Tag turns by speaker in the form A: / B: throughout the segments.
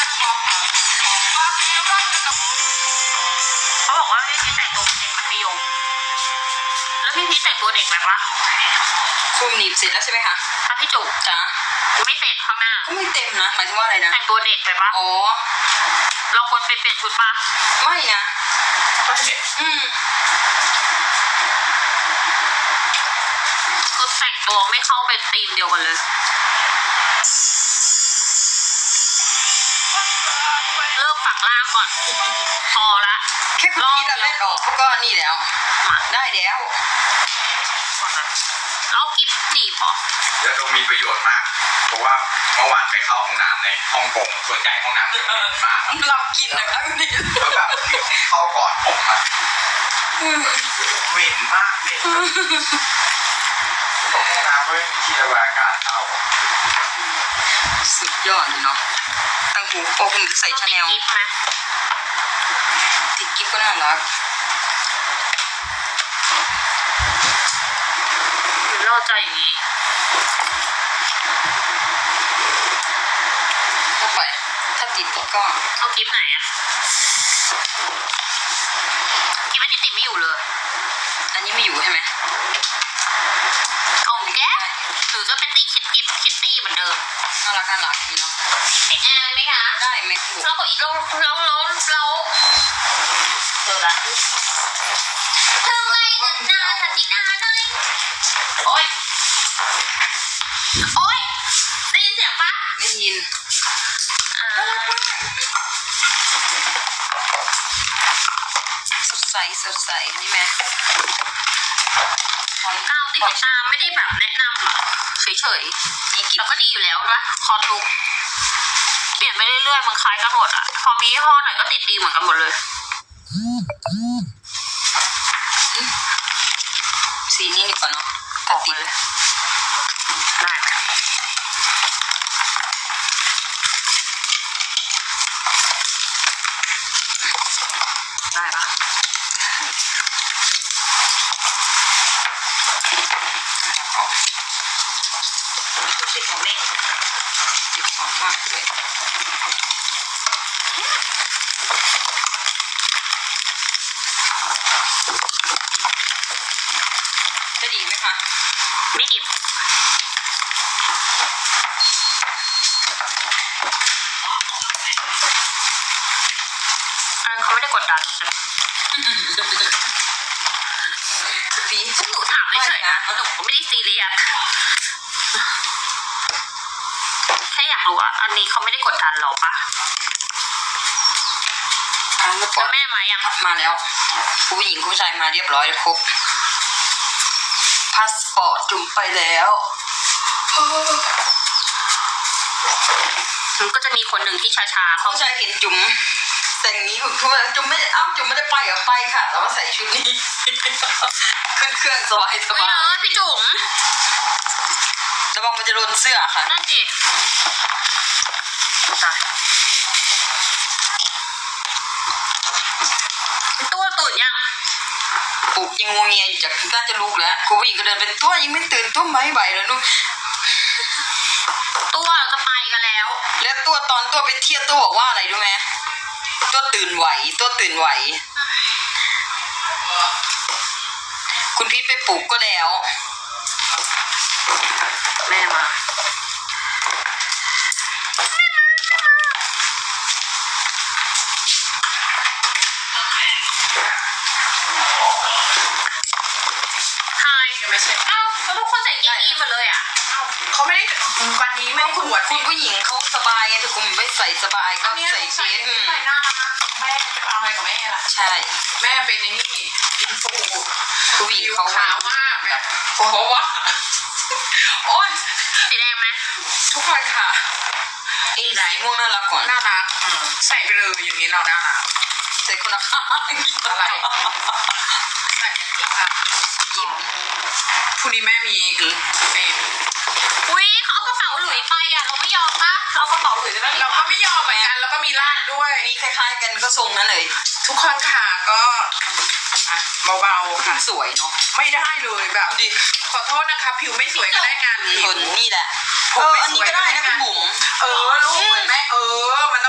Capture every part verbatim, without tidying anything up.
A: เขาบอกว่าพี่พีชแต่งตัวเด็กมัธยมแล้วพี่พีชแต่งตัวเด็กแบบว่า
B: คุมหนีบเสร็จแล้วใช่ไหมคะ
A: อ่ะพี่จุ๋
B: จ้า
A: ไม่เสร็จข้างหน้า
B: ก็ไม่เต็มนะหมายถึงว่าอะไรนะ
A: แต่งตัวเด็กแบบว่า
B: อ๋อ
A: เราควรไปเปลี่ยนชุดปะ
B: ไม่นะอืม
A: คือแต่งตัวไม่เข้าเป็นธีมเดียวกันเลยเลิกฝังล่างก่อนพอละ
B: แค่คุณคิดเราเล่นออกก็นี่แล้วได้แล้ว
A: แล้วกิฟต์หนีบหรอย
C: าดมมีประโยชน์มากเพราะว่าเมื่อวานไปเข้าห้องน้ำในฮ่องกงส่วนใหญ่ห้องน้ำเยอะมาก
B: เรากินนะครับนี่
C: แล้วแบบมีคนเข้าก่อนผมอะเหม็นมากเหม็นห้องน้ำด้วยที่ระบายอากาศเข้า
B: สุดยอดเลยเนาะตั้งหูโอ้คุณใส่ชาแนลติดกิ๊บก็น่ารัก
A: หรือเราจะอย่างนี้
B: เข้าไปถ้าติดก็
A: เอากิ๊บไหนอะกิ๊บอันนี้ติดไม่อยู่เลย
B: อันนี้ไม่อยู่ใช่ไหม
A: เอาแก๊หรือจะเป็นติดคิดกิ๊บคิดตี้เหมือนเดิม
B: น่ารักน่ารักนี่เนาะ
A: ติดแอร์ไหมคะ
B: ได้ไหม
A: เราก็อีกเราเราเราเราเจอละเธอไงกันนาทันทีนาหน่อยโอ๊ยโอ๊ยได้ยินเสียงปะ
B: ได้ยินน่ารักมากสดใสสดใสนี่แม่
A: ก้าวติดตามไม่ได้แบบแนะนำหรอเฉยๆนี่เราก็ดีอยู่แล้วใช่ปะคอร์ลุกเปลี่ยนไปเรื่อยๆมันคล้ายกันหมดอ่ะพอมียี่ห้อไหนก็ติดดีเหมือนกันหมดเลย
B: สีนี้ดีกว่าเนาะ
A: ออกเลยได้ไหมได้ปะดูสิของเล่น
B: ติดของมากเลยจะดีไหมคะ
A: ไม่ดีอันเขาไม่ได้กดดันใช่ไหม
B: บี
A: หนูถามไม่เฉยนะหนูก็ไม่ได้ซีเรียสแค่อยากรู้ว่าอันนี้เขาไม่ได้กดดันเราปะแล้วแม่มายัง
B: มาแล้วผู้หญิงผู้ชายมาเรียบร้อยครบพาสปอร์ตจุ่มไปแล้ว
A: มันก็จะมีคนหนึ่งที่ช้าๆ
B: เขาชายเห็นจุ่มแต่งนี้คือว่าจุ่มไม่เอ้าจุ่มไม่ได้ไปเหรอไปค่ะแต่ว่าใส่ชุดนี้ขึ้นเครื่องสบายสบาย
A: เออพี่จุ๋ม
B: ระวังมันจะโดนเสื้อค่ะ
A: นั่นดิตัวตื่นยัง
B: ปลุกยังงงเงียอยู่จากน่าจะลุกแล้วคุณผู้หญิงก็เดินเป็นตัวยังไม่ตื่นตัวไม่ไหวเลยลูก
A: ตัวจะไปกันแล้ว
B: แล้วตัวตอนตัวไปเที่ยวตัวบอกว่าอะไรรู้ไหมตัวตื่นไหวตัวตื่นไหวคุณพีทไปปลุกก็แล้ว
A: แม่มาไม่ใช่อ้าวแล้วทุกคนใส่เกงยีนหมดเลยอ่ะอ้าว
B: เขาไม่ได้วันนี้ไม่คุณคุณผู้หญิงเขาสบายไงแต่คุณไม่ใส่สบายก็ใส่เชิ้
A: ใส่หน้าแม่จะเอาอะไรกับแม่ล่ะ
B: ใช่
A: แม่เป็นในนี่อินฟู
B: ผู้หญิงเขา
A: ขาวมากแบบเพราะว่าโอ้ยสีแดงไหม
B: ทุกคนค่ะสีม่วงน่ารักก่อน
A: น่ารักใส่ไปเลยอย่างนี้เราน่ารัก
B: ใส่คนละข้าง
A: อะไรใส่คนละข้างยิ้มพรุ่งนี้แม่มีเป็นอุ้ยเขาเอากระเป๋าหลุยไปอ่ะเราไม่ยอมปะเราเอากระเป๋าหลุยไปเราก็ไม่ยอมเหมือนกันแล้วก็มีลาดด้วย
B: มีคล้ายๆกันก็ทรงนั้นเลย
A: ทุกคนค่ะก็เบาๆค่ะ
B: สวยเนาะ
A: ไม่ได้เลยแบบดิขอโทษนะคะผิวไม่สวยก็ได้งานผิว
B: นี่แหละเอออันนี้ก็ได้นะคุณบุ๋ม
A: เออลูกแม่เออมันต้อง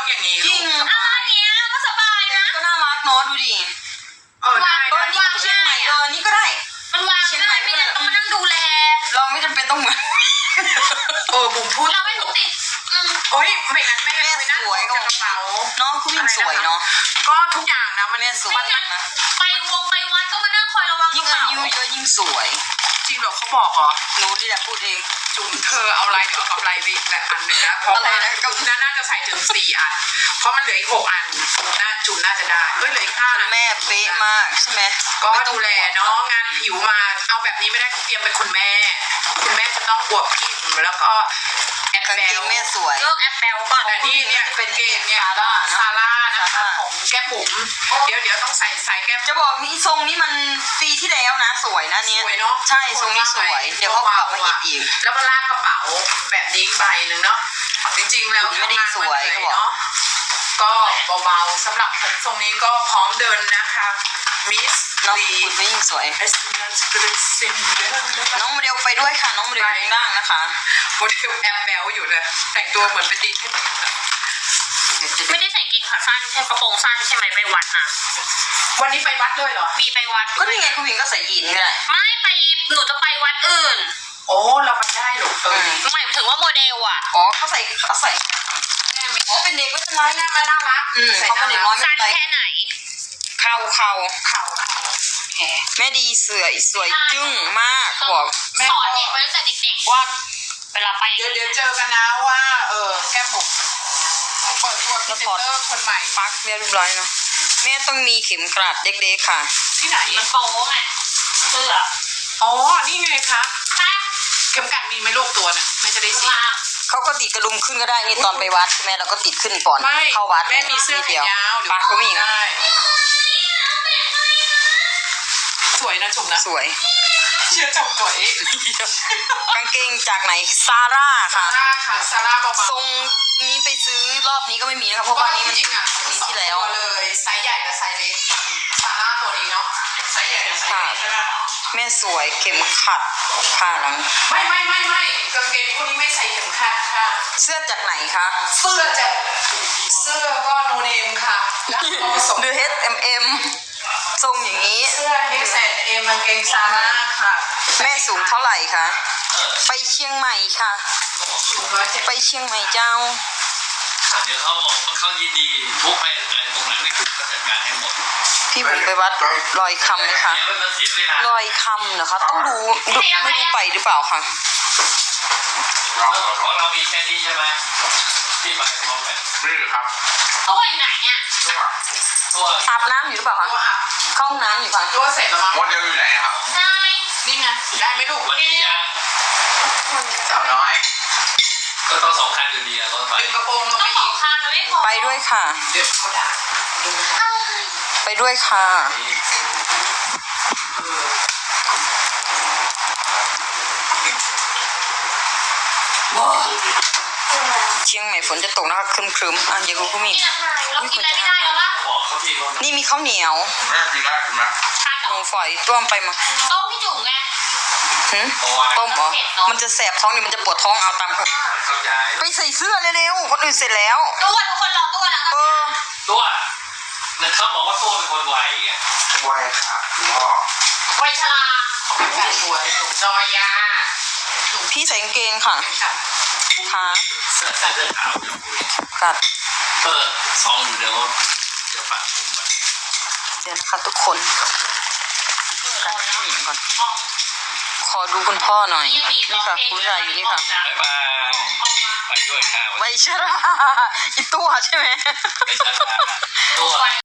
A: อย่างนี้
B: จริง
D: อะไรเนี้ยก็สบาย
B: แต่
D: นะ
B: นี่ก็น่ารักเนาะดูดิ
A: เออได้
B: เออ
A: ได้
B: นี่ก็เชียงใหม่เออนี่ก็ได้
D: มันวางง่ายไม่ได้ต้องมานั่งดูแล
B: เราไม่จำเป็นต้องเหมือน
A: เออบุ๋มพูด
D: เราไม่ต้องติดอืม
A: โอ้ยไม่งั้นแม่
B: แม่
A: ไม่นั่ง
B: สวย
A: กับกระเป๋า
B: น้องคุณยิ่งสวยเนาะ
A: ก็ทุกอย่างนะมัน
B: แม่สวย
A: มันมัน
B: นะ
D: ไปวงไปวัดก็มานั่งคอยระวังก
B: ยิ่
D: ระ
B: งอา
D: เป๋า
B: ยุเยอะยิ่งสวย
A: จริงเหรอเขาบอกเหรอ
B: หนูนี่แหละพูดเอง
A: จุ๋มเธอเอาอะไรเดี๋ยวเอากำไรไปอีกแหละอันหนึ่งนะเพราะ
B: อะไร
A: ว่า
B: นะ
A: จุ๋มน่าจะใส่ถึงสี่อัน เพราะมันเหลืออีกหกอันน่าจุ๋มน่าจะได้เฮ้ยเหลืออีกห้า
B: คุ
A: อั
B: ณ
A: น
B: แม่เป๊ะมากใช่ไหม
A: ก็ดูแลเนาะงานผิวมาเอาแบบนี้ไม่ได้เตรียมเป็นคุณแม่ คุณแม่จะต้องอวบพิมแล้วก็แอบ
B: กาง
A: แบ
B: เกง
A: ว
B: แม่สวย
D: เลิกแอปแปลก่อน
A: แต่นี่เนี่ยเป็นเกมเนี่ยซาร่านะคะของแก้มบุ๋มเดี๋ยวเดี๋ยวต้องใส่ใส่แก้ม
B: จะบอกนี่ทรงนี้มันปีที่แล้วนะสวยนะเนี้ย
A: สวยเนาะ
B: ใช่ทรงนี้สวย เดี๋ยวเขากลับมาฮิตอีก
A: แล้วก็ลากกระเป๋าแบบนี้ใบหนึ่งเนาะจริงๆแล้ว
B: ไม่ได้สวย
A: ทำงาน
B: เขาบอก
A: เนาะก็เบาๆสำหรับผมทรงนี้ก็พร้อมเดินนะคะมิส
B: น้อง
A: ลี
B: คุณไม่ยิ่งสวย
A: เอสเนสเกรซินเดล
B: น้องโมเดลไปด้วยค่ะ น้องโมเดลอยู่ข้างล่างนะคะ
A: โมเดลแอบแบลอยู่เลยแต่งตัวเหมือนเป็นดีเทน
D: ไม่ได้ใส่เกงขาสั้นใช่กระโปรงสั้นใช่ไหมไปวัดนะ
A: วันนี้ไปวัดเลยเหรอ
D: มีไปวัด
B: ก็นี่ไงคุณหญิงก็ใส่ยีนก็ได้
D: ไม่ไปหนูจะไปวัดอื่น
A: โอ้เราไปได้หรอเออ
D: หมายถึงว่าโมเดลอ่ะ
B: อ๋อเขาใส่เขาใส่อ๋อเป็นเด็กไม่เป็นไร
A: แม่มันน่ารัก
B: อืมเขาเป็นเด็กน้อยไม่
D: สั้น
B: เป็นไร
D: แค่ไหน
B: เข่าเข่า
A: เข่าเข่าแขน
B: แม่ดีเสือสวยจึ้งมากเขาบอก
A: แม่
D: สอนเด็กไว้ตั้งแต่เด็กๆว่าเวลาไป
A: เดี๋ยวเดี๋ยวเจอกันนะว่าเออแก้มบุ๋มเปิดตัวพรีเซนเตอร์คนใหม่
B: ปักเรียบร้อยเนาะแม่ต้องมีเข็มกลัดเด็กๆค่ะ
A: ที่ไหน
D: มันโป๊ไงเสื้อ
A: อ๋อนี่ไงคะ
D: แป๊บ
A: เข็มกัดมีไหมลูกตัวน่ะไม่จะได้สี
D: วาง
B: เขาก็ติดกระดุมขึ้นก็ได้นี่ตอนไปวัดใช่ไหมเราก็ติดขึ้นก่อน
A: ไม่
B: เข้าวัด
A: แม่มีเสื้อแขนยาวเดี๋ยว
B: ปักก็มีอีกนะ
A: ได้สวยนะจุ๋มนะ
B: สวย
A: เชื่อจมตัวเอง
B: กางเกงจากไหนซาร่า
A: ซา
B: ค่ะ
A: ร่าค่ะซาร่าเบา
B: ทรงนี้ไปซื้อรอบนี้ก็ไม่มีนะคะเพราะว่านี้มัน
A: จริงๆอ่ะ
B: ปีที่แล้ว
A: สองตัวเลยไซส์ใหญ่กับไซส์เล็กซาร่าตัวนี้เนาะไซส์ใหญ่กับไซส์เล็กใช่ไหม
B: แม่สวยเข็มขัดผ้าหลัง
A: ไม่ไม่ไม่ไม่กางเกงพวกนี้ไม่ใส่เข็มขัดค่ะ
B: เสื้อจากไหนคะ
A: เสื้อจะเสื้อก็โนเนมค่ะแล้วก็ผสม
B: ดู เอช เอ็ม เอ็ม ทรงอย่างนี้
A: เสื้อ เอส แอนด์ เอ็ม กางเกงซาร่าค่ะ
B: แม่สูงเท่าไหร่คะไปเชียงใหม่ค่ะ
A: สูงร้อยเจ็ด
B: ไปเชียงใหม่เจ้า
E: เดี๋ยวเขาบอกเขายินดีทุกไปอะไรตรงไหนไม่ถูกก็จัดการให้หมด
B: พี่บุ๋มไปวัดลอยคำไหมคะ
E: เดี๋ยวมันเสียเวลา
B: ลอยคำนะคะ ต้องดูดูไม่รู้ไปหรือเปล่าค่ะ
E: ของเรามีแค่นี้ใช่ไหมที่ไปพร้อมกัน
C: นี่ครับ
D: ตัวอยู่ไหนอ่ะ
C: ตัว
E: ตัว
B: อาบน้ำอยู่หรือเปล่าคะ
A: ตัวอ่ะ
B: เข้าห้องน้ำอยู่ค่ะ
A: ตัวเสร็จแล้วมั้ง
C: โมเดลอยู่ไหนครับ
D: ได้
A: นี่ไงได้ไหมลูก
E: วันนี้ยัง
C: สาวน้อย
E: ก็ต้องสองคันอยู่ดีอะรถไฟ
A: ดึงกระโปรงลง
D: ต้
A: ไป
D: องสอ
A: อี
D: ง
A: ก
D: คันมันไม่พอ
B: ไปด้วยค่ะ
A: เดี๋ยวเขาด่าดึง
B: ไปด้วยค่ะ เชียงใหม่ฝนจะตกนะคะครึมๆอ่ะอย่ารู้ก็มี
D: นี่นะเรากินอะไรไม่ได้แล้ววะ
E: บอกเขาที่ว่า
B: นี่มีข้าวเหนียว
C: แม่กินได้กินไหม
D: ทานเหร
B: ห
D: อ
B: มูฝอยต้มไปมา
D: ต้มพี่จุ๋มไง
B: หึ
E: เพราะว่า
B: ต้มเหรอมันจะแสบท้องนี่มันจะปวดท้องเอาตามเขา
E: เข้าใจ
B: ไปใส่เสื้อเร็วๆคนอื่นเสร็จแล้ว
D: ตัวทุกคนรอตัวแล้ว
B: เอ
D: กัน
B: อ
E: ตัวเนี่ยเขาบอกว่าตัวเป็นคนไวไง
C: ไวค่ะคุณพ่อ
D: ไวชรา
A: ของแต่ตัวจอยยา
B: พี่ใส่กางเกงค่ะขา
E: เสื้อเสื้อขาวเดี๋ยวคุย
B: กัด
E: เออสองอยู่เดี๋ยวเดี๋ยวฝากผมไป
B: เดี๋ยวนะคะทุกคนกันผู้หญิงก่อน ขอดูคุณพ่อหน่อย นี่ค่ะคุณชายอยู่นี่ค่ะ
E: บ๊ายบายไปด้วยค่ะ
B: ไวชราอีตัวใช่ไหม
E: ไม่ใช่ตัว